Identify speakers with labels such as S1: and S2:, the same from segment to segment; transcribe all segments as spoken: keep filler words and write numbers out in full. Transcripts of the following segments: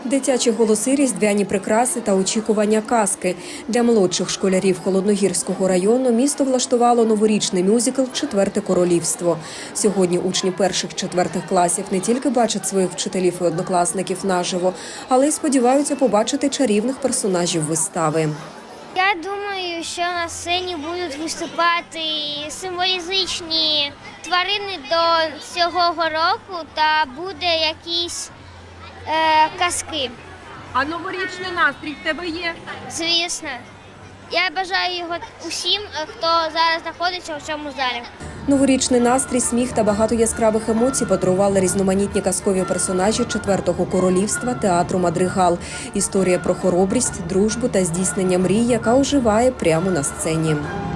S1: Дитячі голоси, різдвяні прикраси та очікування казки. Для молодших школярів Холодногірського району місто влаштувало новорічний мюзикл «Четверте королівство». Сьогодні учні перших-четвертих класів не тільки бачать своїх вчителів і однокласників наживо, але й сподіваються побачити чарівних персонажів вистави.
S2: Я думаю, що на сцені будуть виступати символізичні тварини до цього року та буде якісь е, казки.
S3: А новорічний настрій в тебе є?
S2: Звісно. Я бажаю його усім, хто зараз знаходиться у цьому залі.
S1: Новорічний настрій, сміх та багато яскравих емоцій подарували різноманітні казкові персонажі «Четвертого королівства» театру «Мадригал». Історія про хоробрість, дружбу та здійснення мрій, яка оживає прямо на сцені.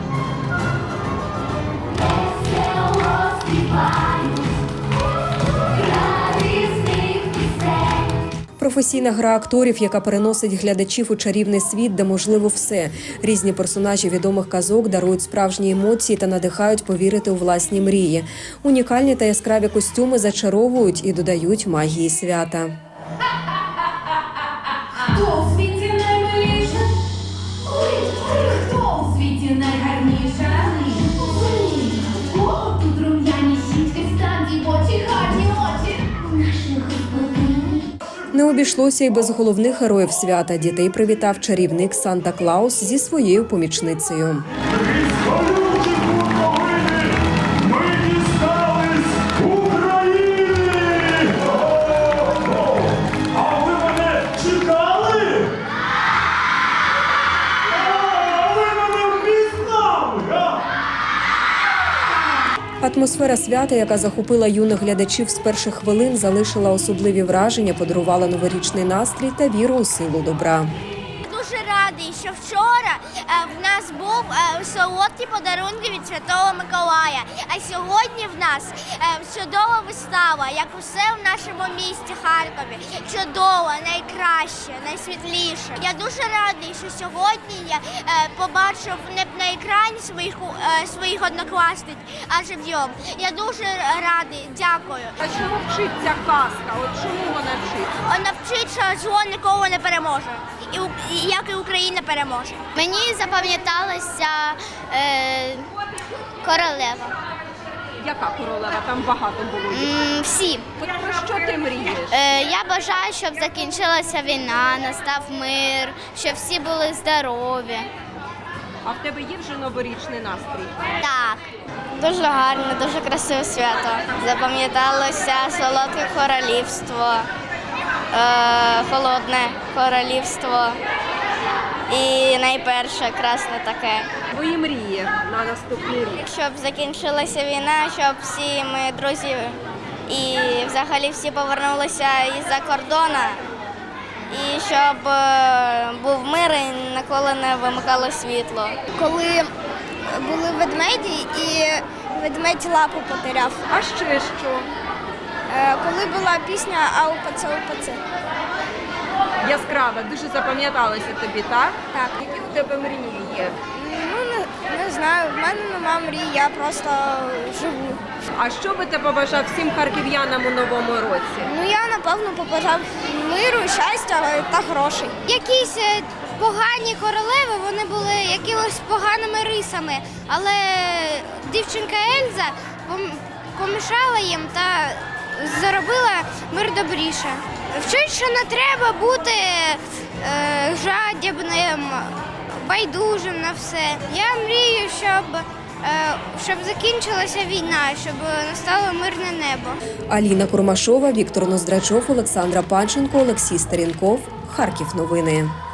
S1: Професійна гра акторів, яка переносить глядачів у чарівний світ, де можливо все. Різні персонажі відомих казок дарують справжні емоції та надихають повірити у власні мрії. Унікальні та яскраві костюми зачаровують і додають магії свята.
S4: Хто у світі наймиліша? Ой, хто у світі найгарніша? Ой, хто тут рум'яні щічки, стані очі, гарні очі? Наших господинь.
S1: Не обійшлося й без головних героїв свята. Дітей привітав чарівник Санта-Клаус зі своєю помічницею. Атмосфера свята, яка захопила юних глядачів з перших хвилин, залишила особливі враження, подарувала новорічний настрій та віру у силу добра.
S2: Дуже радий, що вчора в нас був солодкі подарунки від Святого Миколая. А сьогодні в нас чудова вистава, як усе в нашому місті Харкові. Чудова, найкраще, найсвітліше. Я дуже радий, що сьогодні я побачив не на екрані своїх, своїх однокласниць, а живьом. Я дуже радий, дякую.
S3: А чому вчиться казка? От чому вона вчиться?
S2: Вона вчить, що зло ніколи не переможе. І, і як і Україна переможе. Мені запам'яталася е, королева.
S3: Яка королева? Там багато було.
S2: М, всі.
S3: От про що ти мрієш?
S2: Е, я бажаю, щоб закінчилася війна, настав мир, щоб всі були здорові.
S3: А в тебе є вже новорічний настрій?
S2: Так. Дуже гарне, дуже красиве свято. Запам'яталося солодке королівство, е, холодне королівство і найперше красне таке.
S3: Твої мрії на наступний рік?
S2: Щоб закінчилася війна, щоб всі ми друзі і взагалі всі повернулися із-за кордону. І щоб е, був мир і ніколи не вимикало світло. Коли були ведмеді і ведмедь лапу потеряв.
S3: А ще що?
S2: Е, коли була пісня «Аупаце, упаце».
S3: Яскраве, дуже запам'яталося тобі, так?
S2: Так.
S3: Які у тебе мрії є?
S2: Ну, не, не знаю, в мене нема мрій, я просто живу.
S3: А що би ти побажав всім харків'янам у новому році?
S2: Ну, я, напевно, побажав миру, щастя та грошей. Якісь погані королеви, вони були якимось поганими рисами, але дівчинка Ельза помішала їм та зробила мир добріше. Вчить, що не треба бути е, жадібним, байдужим на все. Я мрію, щоб, е, щоб закінчилася війна, щоб настало мирне небо.
S1: Аліна Курмашова, Віктор Ноздрачов, Олександра Панченко, Олексій Старінков. Харків новини.